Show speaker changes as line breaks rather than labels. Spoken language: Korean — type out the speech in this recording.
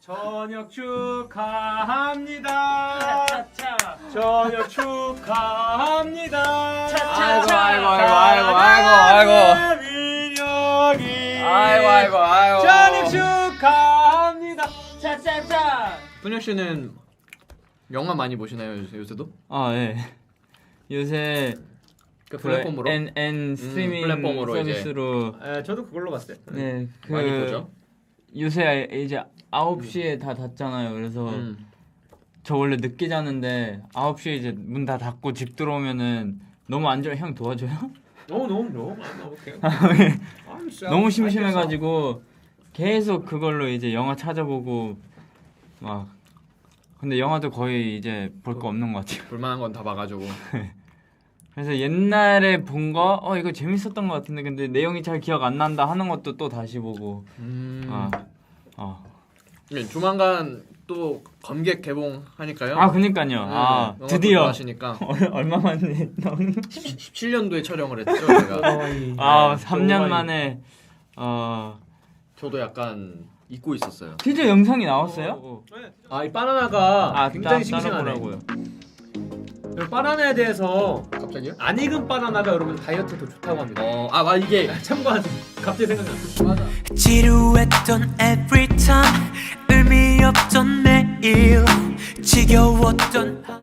저녁 축하합니다.
차차차.
저녁 축하합니다.
차차차.
아이고. 저녁 축하합니다.
차차차.
분혁 씨는 영화 많이 보시나요 요새도?
아 예. 요새
그 플랫폼으로?
N 스트리밍
플랫폼으로
서비스로
저도 그걸로 봤어요.
네,
많이 보죠.
요새 이제 9시에 다 닫잖아요. 그래서 저 원래 늦게 자는데 9시에 이제 문 다 닫고 집 들어오면은 너무 안 좋아. 형 도와줘요?
너무
너무 심심해가지고 계속 그걸로 이제 영화 찾아보고 막 근데 영화도 거의 이제 볼 거 없는 것 같아요.
볼만한 건 다 봐가지고.
그래서 옛날에 본 거 이거 재밌었던 것 같은데 근데 내용이 잘 기억 안 난다 하는 것도 또 다시 보고
네, 조만간 또 검객 개봉하니까요.
그니까요. 드디어
하시니까
얼마 만에
17년도에 촬영을 했죠. 제가.
3년 만에
저도 약간 잊고 있었어요.
진짜 영상이 나왔어요?
이 바나나가 굉장히
따라
싱싱하네.
보라고요.
여러분, 바나나에 대해서
갑자기요?
안 익은 바나나가 여러분 다이어트에 더 좋다고 합니다.
이게
참고하세요. 갑자기 생각나.
맞아.
지루했던 every time 의미 없던 매일 지겨웠던